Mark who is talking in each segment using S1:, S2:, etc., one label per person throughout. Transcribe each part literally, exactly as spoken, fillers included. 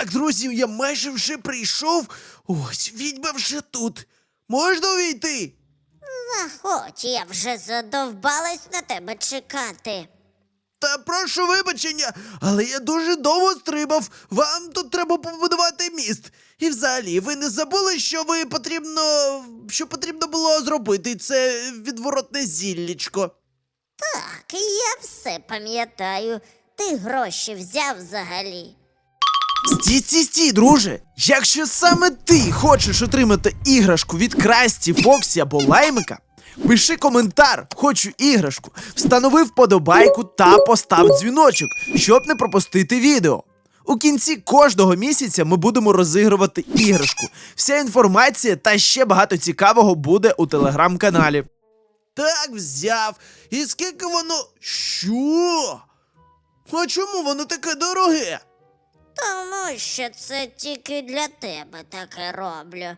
S1: Так, друзі, я майже вже прийшов. Ось, відьма вже тут. Можна увійти?
S2: Заходь, я вже задовбалась на тебе чекати.
S1: Та прошу вибачення, але я дуже довго стрибав. Вам тут треба побудувати міст. І взагалі, ви не забули, що ви потрібно. Що потрібно було зробити? Це відворотне зіллячко.
S2: Так, я все пам'ятаю. Ти гроші взяв взагалі.
S1: Стій, стій, стій, друже! Якщо саме ти хочеш отримати іграшку від Красті, Фоксі або Лаймика, пиши коментар «Хочу іграшку», встанови вподобайку та постав дзвіночок, щоб не пропустити відео. У кінці кожного місяця ми будемо розігрувати іграшку. Вся інформація та ще багато цікавого буде у телеграм-каналі. Так, взяв. І скільки воно... Що? А чому воно таке дороге?
S2: Тому що це тільки для тебе таке роблю.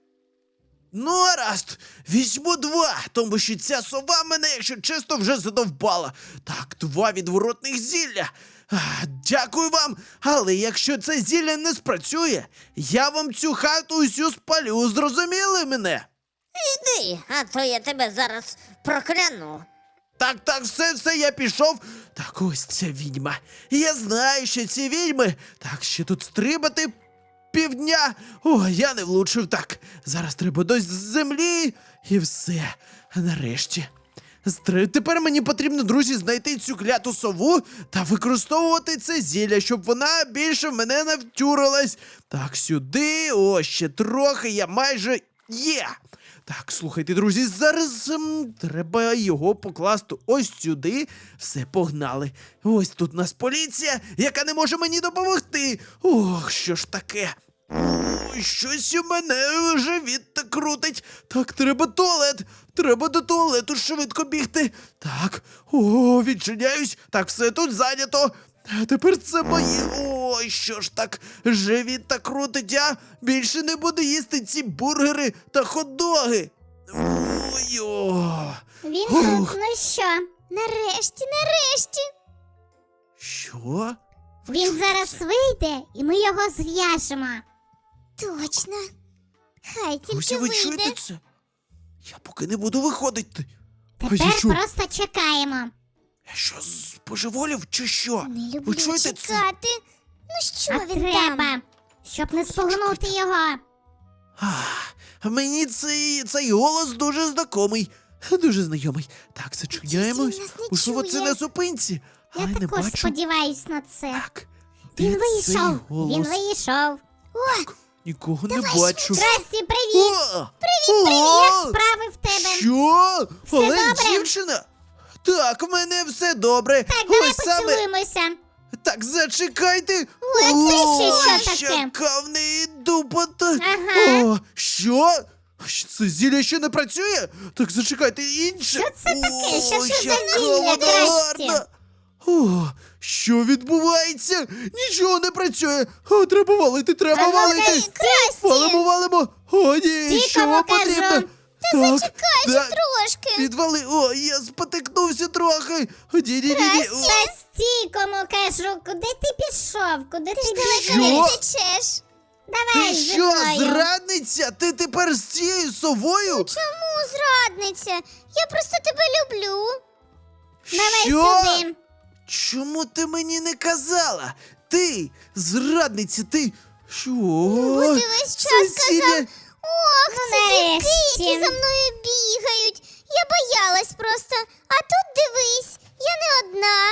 S1: Ну, гаразд, візьму два, тому що ця сова мене, якщо чесно, вже задовбала. Так, два відворотних зілля. А, дякую вам, але якщо це зілля не спрацює, я вам цю хату усю спалю, зрозуміли мене?
S2: Іди, а то я тебе зараз прокляну.
S1: Так, так, все, все, я пішов. Так, ось ця відьма. Я знаю, що ці відьми. Так, ще тут стрибати півдня. О, я не влучив. Так, зараз треба до землі. І все. Нарешті. Стри... Тепер мені потрібно, друзі, знайти цю кляту сову та використовувати це зілля, щоб вона більше в мене не втюрилась. Так, сюди. О, ще трохи, я майже є. Так, слухайте, друзі, зараз ем, треба його покласти ось сюди. Все, погнали. Ось тут у нас поліція, яка не може мені допомогти. Ох, що ж таке? Ой, щось у мене живіт так крутить. Так, треба туалет. Треба до туалету швидко бігти. Так, о, відчиняюсь. Так, все тут зайнято. А тепер це моє. Ой, що ж так, живіт так крутить, я більше не буду їсти ці бургери та хот-доги. Ой, о.
S3: Він
S1: Ух.
S3: тут, ну що? Нарешті, нарешті.
S1: Що?
S3: Він зараз вийде, і ми його зв'яжемо. Точно. Хай
S1: Друзі,
S3: тільки
S1: ви
S3: вийде.
S1: чуєте це? Я поки не буду виходити. А я
S3: Тепер
S1: що?
S3: просто чекаємо.
S1: Я що, збожеволів чи що?
S3: Не люблю
S1: Ви чуєте це?
S3: чекати. Ну що
S2: А
S3: він треба,
S2: там?
S3: щоб не спугнути його.
S1: Ах, мені цей, цей голос дуже знайомий. Дуже знайомий. Так, зачиняємось.
S3: Він нас не
S1: Можливо, це
S3: чує.
S1: на зупинці.
S3: Я
S1: Але не
S3: також
S1: бачу.
S3: сподіваюсь на це.
S1: Так.
S3: Він
S1: де цей
S3: вийшов,
S1: голос?
S3: він вийшов. О,
S1: Нікого не
S3: давай
S1: бачу.
S3: Красті, привіт!
S1: О!
S3: Привіт,
S1: О!
S3: як справи в тебе?
S1: Що?
S3: Все
S1: Але
S3: добре?
S1: дівчина? Так, в мене все добре.
S3: Так, давай
S1: Ось саме.
S3: поцілуємося.
S1: Так, зачекайте.
S3: О, це ще що таке?
S1: Яка в неї дупота.
S3: Ага.
S1: О, що? Що це зілля ще не працює? Так, зачекайте, інше.
S3: Що це таке? Що
S1: О,
S3: це за
S1: яка
S3: зілля,
S1: вона
S3: Красті?
S1: гарна. О, що відбувається? Нічого не працює. О, треба валити, треба
S3: А ну,
S1: валити.
S3: Красті!
S1: Валимо, валимо. О, ні,
S3: Стій,
S1: що
S3: кому
S1: потрібно?
S3: кажу.
S1: Так,
S3: зачекай же
S1: да,
S3: трошки.
S1: Відвали. О, я спотикнувся трохи. О, ні, ні, ні, ні. О,
S3: Та стій, кому кажу, куди ти пішов? Куди ти далеко
S1: Що?
S3: не втечеш? Давай
S1: Ти
S3: зі
S1: що,
S3: мною.
S1: зрадниця? Ти тепер з цією совою?
S3: Чому зрадниця? Я просто тебе люблю. Давай
S1: Що?
S3: сюди.
S1: Чому ти мені не казала? Ти, зрадниця, ти. Що?
S3: бо ти весь час
S1: Сесілія.
S3: казав, Ох, ну, нарешті. Які за мною бігають. Я боялась просто. А тут дивись, я не одна.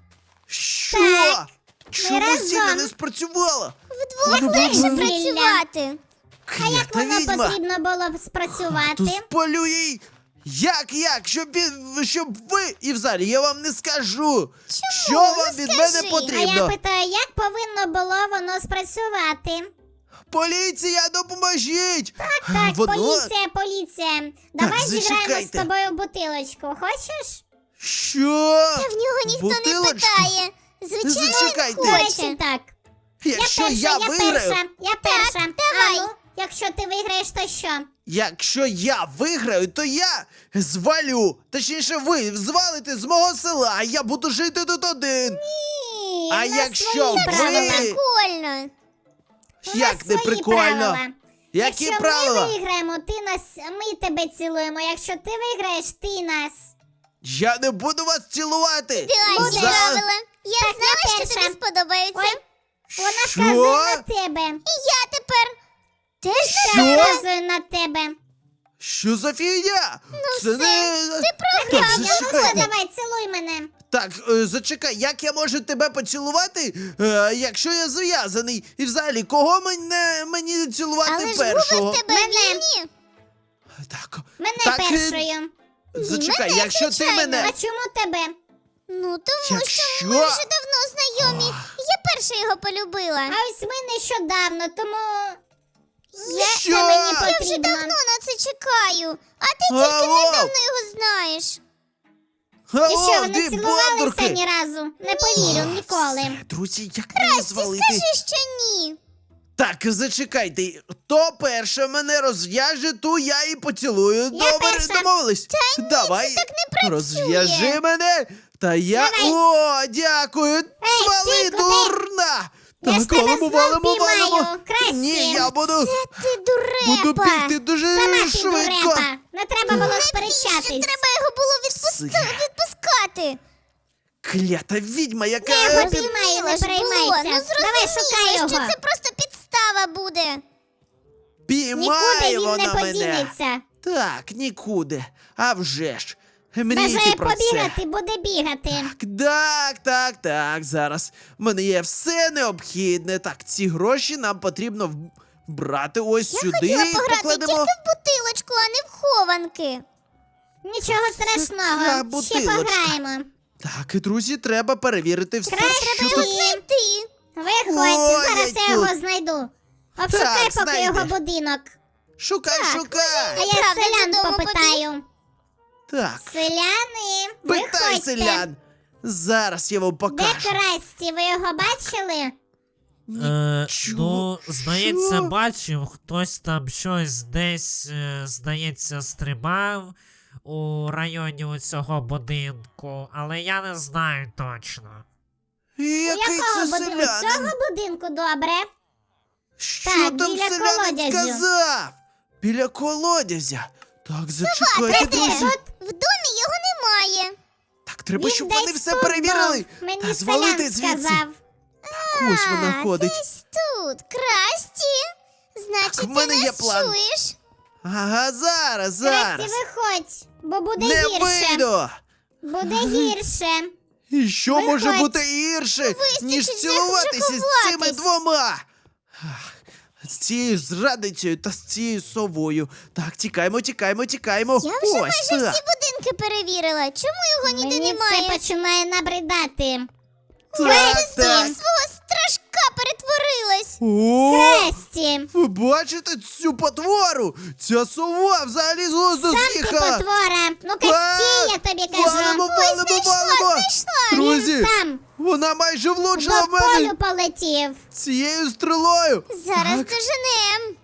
S1: Що?
S3: Так,
S1: Чому
S3: разом.
S1: зілля не спрацювала?
S3: Вдвох
S1: Ну,
S3: легше
S1: ну, ну.
S3: працювати. А як
S1: Клята
S3: воно
S1: відьма.
S3: потрібно було б спрацювати?
S1: То спалю їй. Як, як? Щоб, він, щоб ви, і взагалі, я вам не скажу. Що
S3: Ну,
S1: вам від мене
S3: скажи.
S1: потрібно?
S3: А я питаю, як повинно було воно спрацювати?
S1: Поліція, допоможіть!
S3: Так, так,
S1: Воно...
S3: поліція, поліція. Давай зіграємо з
S1: зачекайте.
S3: тобою в бутилочку. Хочеш?
S1: Що?
S3: Та в нього ніхто
S1: Бутилочку?
S3: не питає. Звичайно,
S1: Зачекайте.
S3: він хоче. Так.
S1: Якщо
S3: я
S1: я,
S3: перша,
S1: виграю,
S3: я перша, я перша.
S2: давай.
S3: А ну, якщо ти виграєш, то що?
S1: якщо я виграю, то я звалю. Точніше, ви звалите з мого села, а я буду жити тут один.
S3: Ні,
S1: А
S3: в нас
S1: якщо
S3: свої
S1: ви-
S3: правила.
S2: Прикольно.
S3: У
S1: Як
S3: нас
S1: не
S3: свої
S1: прикольно?
S3: правила.
S1: Які
S3: Якщо
S1: правила?
S3: ми виграємо, ти нас, ми тебе цілуємо. Якщо ти виграєш, ти нас.
S1: Я не буду вас цілувати!
S2: Ідеальні
S1: За-
S2: правила. Я
S3: Так,
S2: знала,
S3: я
S2: що
S3: перша.
S2: тобі сподобається.
S3: Ой, вона
S1: Що?
S3: вказує на тебе.
S2: І я тепер теж
S1: Що?
S2: на тебе.
S3: Вказує на тебе.
S1: Що за фігня? Це
S2: все,
S1: не...
S2: ти програв,
S1: Так,
S3: Ну
S1: зачекайте.
S3: все, давай, цілуй мене.
S1: Так, е, зачекай, як я можу тебе поцілувати, е, якщо я зв'язаний? І взагалі, кого мене, мені цілувати
S2: Але ж
S1: першого?
S2: губи в тебе
S3: Мене.
S2: вільні.
S1: Так,
S3: Мене
S1: так, е,
S3: першою.
S1: Зачекай,
S2: мене,
S1: якщо ти
S2: звичайно.
S1: мене...
S3: А чому тебе?
S2: Ну, тому
S1: Якщо-
S2: що ми вже давно знайомі. Я перша його полюбила.
S3: А ось ми нещодавно, тому
S2: Я,
S1: Що?
S3: це мені
S2: я вже
S3: потрібно.
S2: давно на це чекаю. А ти тільки
S1: Алло.
S2: недавно його знаєш.
S3: І що,
S1: Алло,
S3: ви не
S1: дві
S3: цілувалися
S1: бовдурки!
S3: ні разу? Не повірю ніколи.
S1: Все, друзі, як мені звалити?
S2: Скажи, що ні.
S1: Так, зачекайте, хто перше мене розв'яже, ту я і поцілую. Добре,
S3: перша.
S1: домовились? Давай,
S2: так не працює.
S1: розв'яжи мене, та я...
S3: Давай.
S1: О, дякую, свали,
S3: стій, куди?
S1: дурна!
S3: Я ж
S1: Так,
S3: тебе
S1: валимо,
S3: знов
S1: валимо,
S3: піймаю,
S1: валимо.
S3: Красті.
S1: Ні, я буду,
S2: Ти дурепа.
S1: буду бігти дуже
S3: Сама ти
S1: швидко.
S3: дурепа. Не треба було
S2: Навіщо
S3: сперечатись.
S2: треба його було відпусти-
S1: Все.
S2: відпускати?
S1: Клята відьма, яка...
S3: Я його
S1: під-
S3: піймаю, не
S2: Зрозуміло ж було.
S3: переймайся.
S2: Ну,
S3: Давай
S2: зрозуміло,
S3: шукай його.
S2: що це просто підстава буде.
S3: Нікуди
S1: Піймає
S3: він не
S1: вона мене.
S3: подінеться.
S1: Так, нікуди. А вже ж. Мрійте
S3: Бажає
S1: про це.
S3: побігати, буде бігати.
S1: Так, так, так, зараз. В мене є все необхідне. Так, ці гроші нам потрібно в- брати ось
S2: Я
S1: сюди
S2: хотіла
S1: і
S2: пограти
S1: покладемо.
S2: тільки в бутилочку, а не в хованки.
S3: Нічого
S1: Така
S3: страшного. Ще
S1: бутилочка.
S3: пограємо.
S1: Так, і друзі, треба перевірити все,
S3: Краще
S1: що
S3: треба
S1: тут.
S2: Знайти.
S3: Виходь,
S1: Ой,
S3: зараз
S1: я
S3: я його
S1: тут.
S3: знайду. Обшукай
S1: Так,
S3: поки його
S1: знайди.
S3: будинок.
S1: Шукай,
S3: А
S1: шукай.
S3: я
S2: Правда,
S3: селян
S2: додому
S3: попитаю.
S1: Так,
S3: Селяни,
S1: питай
S3: виходьте.
S1: селян. Зараз я вам
S3: Де
S1: покажу.
S3: Красті? Ви його бачили?
S4: Е,
S1: Чого?
S4: ну, здається,
S1: Що?
S4: бачив, хтось там щось десь, е, здається, стрибав у районі у цього будинку, але я не знаю точно.
S3: У
S1: Який
S3: якого
S1: це
S3: будинку?
S1: селянин?
S3: Цього будинку добре.
S1: Що
S3: Так,
S1: там
S3: біля
S1: селянин
S3: колодязю.
S1: сказав? Біля колодязя. Так, зачекайте,
S3: Де
S1: друзі.
S3: ти?
S2: В домі його немає.
S1: Так, треба,
S3: Він
S1: щоб
S3: десь
S1: вони все
S3: тут
S1: перевірили.
S3: був. Мені
S1: Та звалити
S3: селян
S1: звідси.
S3: сказав.
S1: Ось вона
S2: А,
S1: ходить.
S2: десь тут. Красті. Значить,
S1: Так, в мене
S2: ти
S1: є
S2: нас
S1: план.
S2: чуєш?
S1: Ага, зараз,
S3: Красті,
S1: зараз.
S3: виходь, бо буде
S1: Не
S3: гірше.
S1: вийду.
S3: Буде гірше.
S1: І що
S3: Виходь.
S1: може бути гірше, ніж
S2: вже
S1: цілуватися з цими
S2: ховатись.
S1: двома? Ах, з цією зрадницею та з цією совою. Так, тікаємо, тікаємо, тікаємо.
S2: Я вже
S1: Ось
S2: майже
S1: так.
S2: всі будинки перевірила. Чому його ніде
S3: Мені
S2: немає?
S3: це починає набридати.
S1: Так,
S2: Ти
S1: так.
S2: свого страшка перетворилась.
S1: О,
S3: Красті,
S1: ви бачите цю потвору? Ця сова взагалі з глузду
S3: сам ти
S1: з'їхала.
S3: потвора. Ну-ка
S1: А,
S3: стій, я тобі
S1: Валимо,
S3: кажу.
S1: валимо, валимо.
S2: знайшла.
S1: Друзі,
S3: Там,
S1: вона майже влучила
S3: до
S1: в мене
S3: полю полетів.
S1: цією стрілою.
S2: Зараз
S1: Так.
S2: доженем.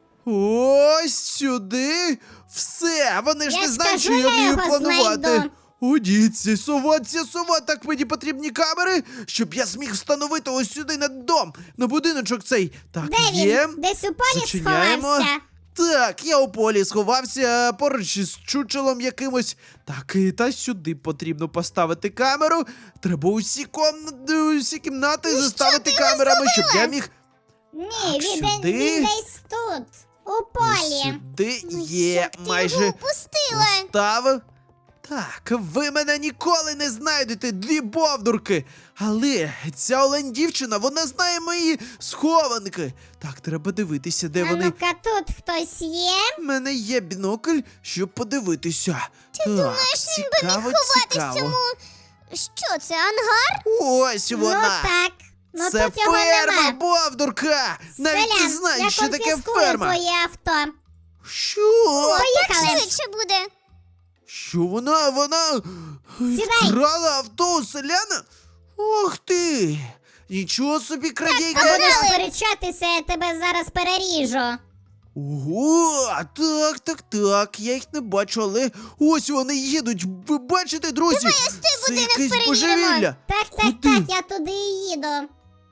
S1: Ось сюди. Все, вони ж
S3: Я
S1: не
S3: ж
S1: знають,
S3: кажу,
S1: що я
S3: я
S1: вмію
S3: його
S1: планувати.
S3: знайду.
S1: О, дідці, сова, ця сова, так мені потрібні камери, щоб я зміг встановити ось сюди на дом, на будиночок цей. Так,
S3: Де
S1: є.
S3: він? Десь у полі
S1: Зачиняємо.
S3: сховався.
S1: Так, я у полі сховався поруч із чучелом якимось. Так, і та сюди потрібно поставити камеру. Треба усі комнати, усі кімнати заставити
S2: ти його
S1: камерами, щоб я міг.
S3: Ні,
S1: Так,
S3: він,
S1: сюди.
S3: він десь тут, у
S1: Ось
S3: полі.
S1: сюди
S2: Ну,
S1: є
S2: як ти
S1: майже.
S2: його упустила?
S1: Поставив. Так, ви мене ніколи не знайдете, дві бовдурки. Але ця олень дівчина, вона знає мої схованки. Так, треба дивитися, де
S3: А
S1: вони.
S3: ну-ка тут хтось є?
S1: У мене є бінокль, щоб подивитися. Ти так,
S2: Думаєш, він би міг
S1: цікаво,
S2: ховати
S1: цікаво.
S2: в цьому. Що це, ангар?
S1: Ось вона.
S3: Ну так. Ну
S1: Це
S3: тут його
S1: ферма,
S3: нема.
S1: бовдурка. Навіть не
S3: Селян,
S1: знаєш,
S3: я
S1: що таке
S3: конфіскую
S1: ферма.
S3: твоє авто.
S1: Що?
S3: Поїхали.
S2: Швидше буде.
S1: Що вона, вона
S3: Сідай.
S1: вкрала авто у селяна? Ох ти! Нічого собі
S3: А
S1: крадійка!
S3: будеш сперечатися, я тебе зараз переріжу.
S1: Ого, так, так, так, я їх не бачу, але ось вони їдуть. Ви бачите, друзі?
S2: Давай ось той
S1: Це
S2: будинок
S1: якесь
S2: перевіримо.
S1: божевілля.
S3: Так, так,
S1: Куди?
S3: так, я туди і їду.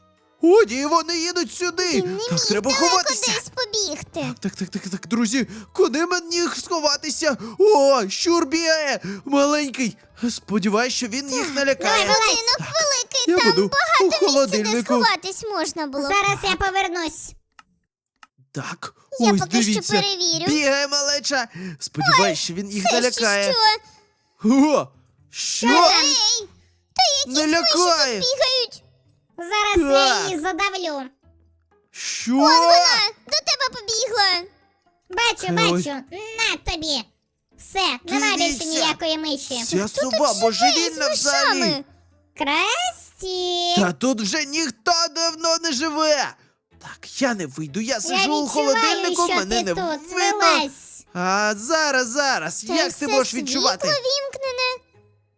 S1: О, ні, вони їдуть сюди.
S3: Він не
S1: Так,
S3: міг
S1: треба
S3: далеко
S1: ховатися.
S3: десь побігти.
S1: Так, так, так, так, друзі, куди мені їх сховатися? О, щур бігає, маленький. Сподіваюсь, що він їх не лякає.
S3: Будинок великий,
S1: Я
S3: там
S1: буду у
S3: багато місця, де
S1: холодильнику.
S3: сховатись можна було.
S5: Зараз я повернусь.
S1: Так,
S3: Я
S1: ось
S3: поки що
S1: дивіться.
S3: перевірю.
S1: Бігає малеча. Сподіваюсь, що він їх не
S3: Це ще
S1: лякає.
S3: що?
S1: О, що?
S3: Ей,
S1: Не лякає.
S3: бігають.
S5: Зараз
S1: Так.
S5: я її задавлю.
S1: Що?
S3: Вона до тебе побігла.
S5: Бачу,
S1: Ой.
S5: бачу. На тобі. Все, нема більше
S1: Дивіться.
S5: ніякої миші.
S1: Ця сова божевільна
S3: З
S1: взагалі.
S3: мишами.
S5: Красті.
S1: Та тут вже ніхто давно не живе. Так, я не вийду, я
S5: Я
S1: сижу у
S5: відчуваю,
S1: холодильнику,
S5: що
S1: мене
S5: ти
S1: не
S5: тут
S1: видно.
S5: вилазь.
S1: А зараз, зараз,
S3: Та
S1: як
S3: все
S1: ти можеш відчувати?
S3: світло вімкнене.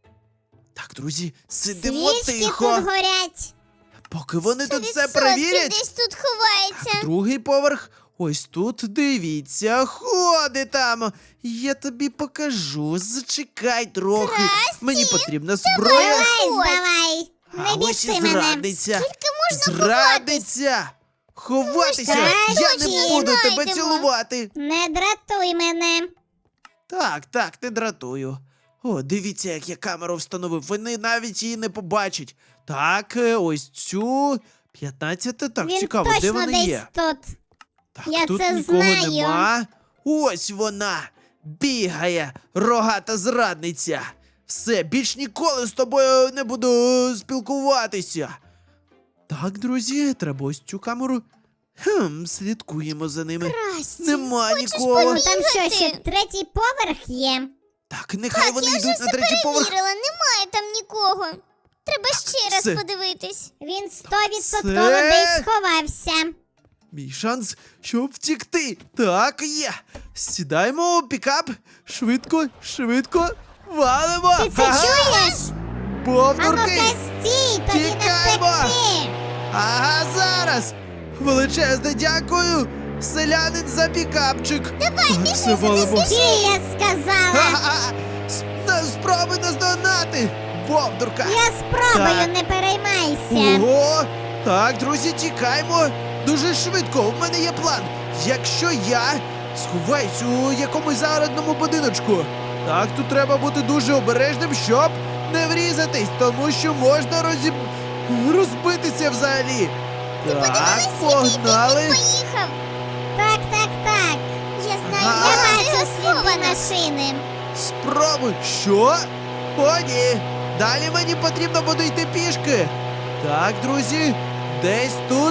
S1: Так, друзі, сидимо
S5: Свічки
S1: тихо.
S5: тут горять.
S1: Поки вони тут все
S3: Відсотків
S1: перевірять.
S3: десь тут ховається.
S1: Так, другий поверх. Ось тут, дивіться, ходи там. Я тобі покажу. Зачекай трохи. Мені потрібна зброя.
S5: Вилазь давай.
S1: А
S5: Не
S1: ось і
S5: біси мене.
S1: зрадниця.
S3: можна
S1: Зрадниця. Ховатися.
S5: Ми ж
S1: Я не
S5: краще
S1: буду тебе
S3: знайдемо.
S1: цілувати.
S5: Не дратуй мене.
S1: Так, так, не дратую. О, дивіться, як я камеру встановив. Вони навіть її не побачать. Так, е, ось цю п'ятнадцяте. Так,
S5: Він
S1: цікаво,
S5: точно
S1: де вони
S5: десь
S1: є?
S5: тут.
S1: Так,
S5: Я
S1: тут
S5: це
S1: нікого
S5: знаю.
S1: нема. Ось вона бігає, рогата зрадниця. Все, більш ніколи з тобою не буду спілкуватися. Так, друзі, треба ось цю камеру. Хм, слідкуємо за ними.
S3: Красті,
S1: Нема
S3: хочеш
S1: нікого.
S5: Ну, там що,
S3: Бігати.
S5: ще третій поверх є?
S1: Так, нехай вони
S3: Я вже
S1: йдуть на
S3: все
S1: третій поверх.
S3: перевірила, немає там нікого. Треба ще раз
S1: все.
S3: подивитись.
S5: Він стовідсотково
S1: Це-
S5: десь сховався.
S1: Мій шанс, щоб втікти. Так, є. Сідаємо у пікап. Швидко, швидко. Валимо.
S5: Ти це
S1: Ага.
S5: чуєш? А
S1: Повторки.
S5: ну-ка стій, тобі не
S1: Тікаємо!
S5: втекти.
S1: Ага, зараз. Величезне дякую. Селянин за пікапчик. Давай, все валимо.
S5: Стій, я сказала.
S1: Ха-ха. С- на- Спробуй наздогнати. Бовдурка.
S5: Я спробую,
S1: Так.
S5: не переймайся.
S1: Ого! Так, друзі, тікаємо дуже швидко. У мене є план. Якщо я сховаюсь у якомусь загородному будиночку, так тут треба бути дуже обережним, щоб не врізатись, тому що можна розіб... розбитися взагалі. Так, погнали.
S3: Поїхав.
S5: Так, так, так.
S3: Я знаю,
S1: Ага.
S5: Я
S3: де
S5: бачу
S3: його
S5: сліди
S3: сховано.
S5: машини.
S1: Спробуй. Що? О, ні. Далі мені потрібно буде йти пішки. Так, друзі, десь тут.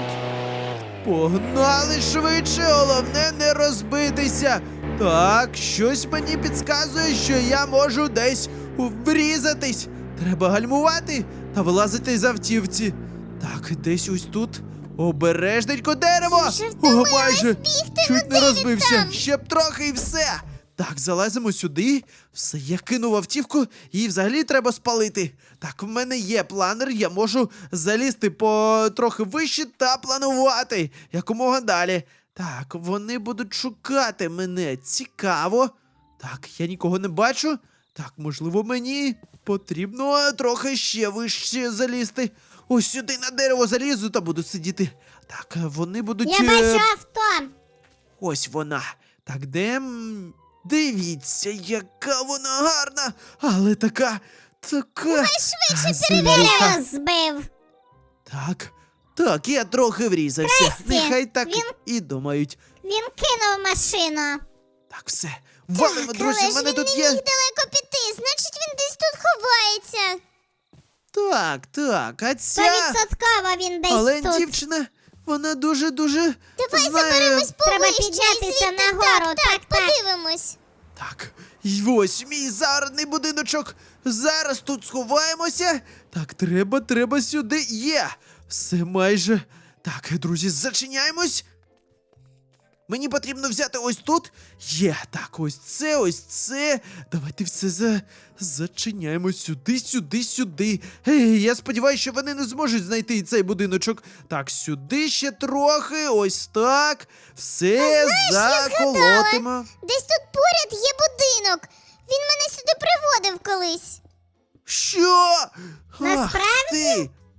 S1: Погнали швидше, головне не розбитися. Так, щось мені підказує, що я можу десь врізатись. Треба гальмувати та вилазити з автівці. Так, десь ось тут. Обережненько дерево!
S3: Я вже
S1: О,
S3: втомилась
S1: майже
S3: бігти,
S1: чуть
S3: ну
S1: не
S3: де він
S1: розбився.
S3: там?
S1: Ще б трохи і все. Так, залазимо сюди. Все, я кинув автівку, її взагалі треба спалити. Так, в мене є планер, я можу залізти по трохи вище та планувати якомога далі. Так, вони будуть шукати мене. Цікаво. Так, я нікого не бачу. Так, можливо, мені потрібно трохи ще вище залізти. Ось сюди на дерево залізу та буду сидіти. Так, вони будуть.
S5: Я
S1: е,
S5: бачу авто.
S1: Ось вона. Так, де. м, Дивіться, яка вона гарна, але така. Така. Швидше
S5: Дерево збив.
S1: Так. Так, я трохи врізався.
S5: Красті,
S1: Нехай так
S5: він-
S1: і думають.
S5: Він кинув машину.
S1: Так, все. Валимо,
S3: Так,
S1: друзі,
S3: але
S1: в
S3: ж
S1: мене
S3: він
S1: тут
S3: не
S1: є.
S3: міг далеко піти, значить він десь тут ховається.
S1: Так, так, а ця.
S5: Стовідсотково він десь
S1: Але
S5: тут.
S1: дівчина, вона дуже-дуже.
S3: Давай
S1: знає...
S3: заберемось
S5: Треба
S3: повище і
S5: піднятися
S3: звідти
S5: нагору,
S3: Так, так,
S5: так, так.
S3: подивимось.
S1: Так, і ось мій загородний будиночок. Зараз тут сховаємося. Так, треба, треба сюди. Є. Все майже. Так, друзі, зачиняємось. Мені потрібно взяти ось тут. Є. Так, ось це, ось це. Давайте все за... зачиняємо сюди, сюди, сюди. Ей, я сподіваюся, що вони не зможуть знайти цей будиночок. Так, сюди ще трохи, ось так. Все заколотимо.
S3: Десь тут поряд є будинок. Він мене сюди приводив колись.
S1: Що? Ах
S5: Насправді?
S1: ти!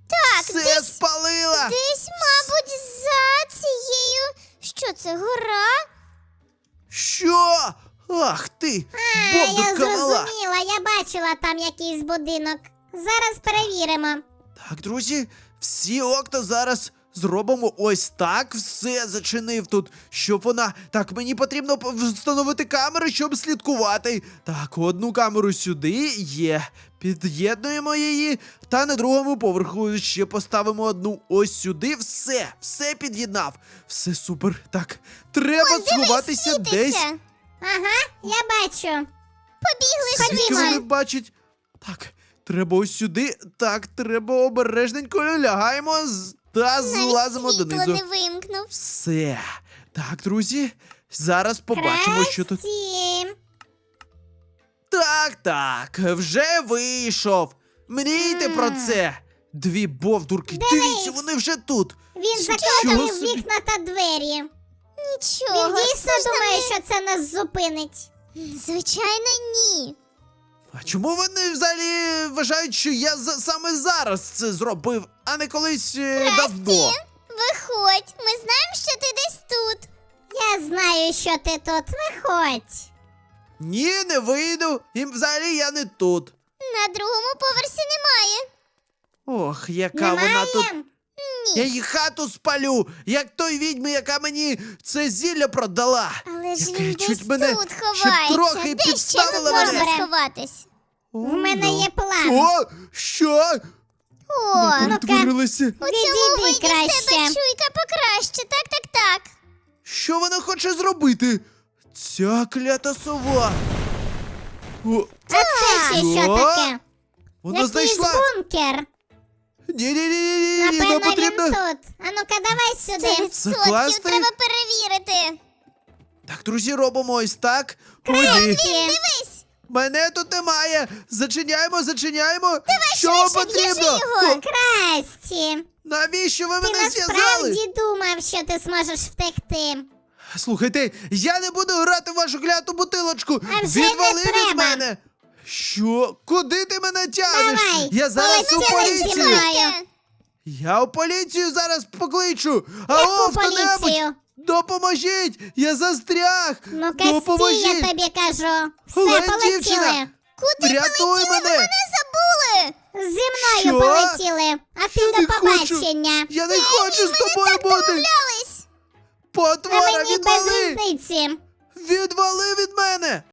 S3: Так,
S1: Все
S3: десь,
S1: спалила!
S3: десь, мабуть, за цією. Що це, гора?
S1: Що? Ах ти!
S5: А, я
S1: Бовдурка мала!
S5: зрозуміла, я бачила там якийсь будинок. Зараз перевіримо.
S1: Так, друзі, всі окна зараз зробимо ось так. Все зачинив тут, щоб вона. Так, мені потрібно п- встановити камери, щоб слідкувати. Так, одну камеру сюди є. Під'єднуємо її. Та на другому поверху ще поставимо одну ось сюди. Все, все під'єднав. Все супер. Так, треба сховатися десь.
S3: Світиться.
S5: Ага, я бачу.
S3: Побігли
S1: Звідки
S3: швидше.
S1: вони бачать? Так, треба ось сюди. Так, треба обережненько лягаємо з- та злазимо
S3: Навіть світло
S1: донизу.
S3: не вимкнув.
S1: Все. Так, друзі, зараз побачимо, що тут.
S5: Красті.
S1: Так, так, вже вийшов. Мрійте про це. Дві бовдурки, дивіться, вони вже тут.
S5: Він
S1: Чого
S5: закладав
S1: собі?
S5: вікна та двері.
S3: Нічого.
S5: Він дійсно
S3: це ж
S5: думає,
S3: не-
S5: що це нас зупинить.
S3: Звичайно, ні.
S1: А чому вони взагалі вважають, що я за- саме зараз це зробив, а не колись е, давно?
S3: Виходь, ми знаємо, що ти десь тут.
S5: Я знаю, що ти тут. Виходь.
S1: Ні, не вийду. І взагалі я не тут.
S3: На другому поверсі немає.
S1: Ох, яка
S5: Немає?
S1: вона тут. Я її хату спалю, як той відьми, яка мені це зілля продала.
S3: Але ж
S1: Яка
S3: він
S1: чуть
S3: десь
S1: мене
S3: тут
S1: ще
S3: ховається.
S1: трохи
S3: Де ще
S1: підставила
S3: тут можна
S5: мене.
S3: сховатись?
S5: В мене є план.
S1: О, що?
S3: О,
S1: Перетворилися.
S3: у цьому
S5: Відійди
S3: виді в тебе
S5: краще.
S3: чуйка покраще. Так, так, так.
S1: Що вона хоче зробити? Ця клята сова. О,
S5: А це ще що
S1: Що?
S5: таке?
S1: вона
S5: Якийсь
S1: знайшла.
S5: бункер.
S1: Ні-ні-ні, нам
S5: Напевно, він
S1: потрібно.
S5: тут. А ну-ка, давай
S3: Сто
S5: сюди.
S3: відсотків
S1: Закласти?
S3: треба перевірити.
S1: Так, друзі, робимо ось так. О, ні.
S3: Дивись,
S1: Мене тут немає. Зачиняємо, зачиняємо. Що вам
S3: швидше,
S1: потрібно?
S3: в'яжи його.
S1: О,
S5: Красті.
S1: навіщо ви
S5: Ти
S1: мене зв'язали?
S5: насправді думав, що ти зможеш втекти.
S1: Слухайте, я не буду грати в вашу кляту бутилочку.
S5: А вже не
S1: Відвали від
S5: треба.
S1: мене. Що? Куди ти мене тягнеш?
S5: Давай,
S1: Я зараз у
S5: полетіли зі
S1: поліцію.
S5: мною.
S1: Я у поліцію зараз покличу. Алло,
S5: Яку
S1: хто-небудь,
S5: поліцію?
S1: допоможіть! Я застряг!
S5: Ну, Касті,
S1: Допоможіть!
S5: я тобі кажу. Все,
S1: Олень,
S5: полетіли.
S1: дівчина!
S3: Куди
S1: Врятуй
S3: полетіли?
S1: мене!
S3: Ви мене забули.
S5: Зі мною
S1: Що?
S5: полетіли. А ти
S1: Я
S5: до
S1: не хочу.
S5: побачення.
S1: Я не хочу з тобою бути!
S3: Домовлялись.
S5: А
S1: Потвора,
S5: мені без
S1: відвали!
S5: різниці.
S1: Відвали від мене!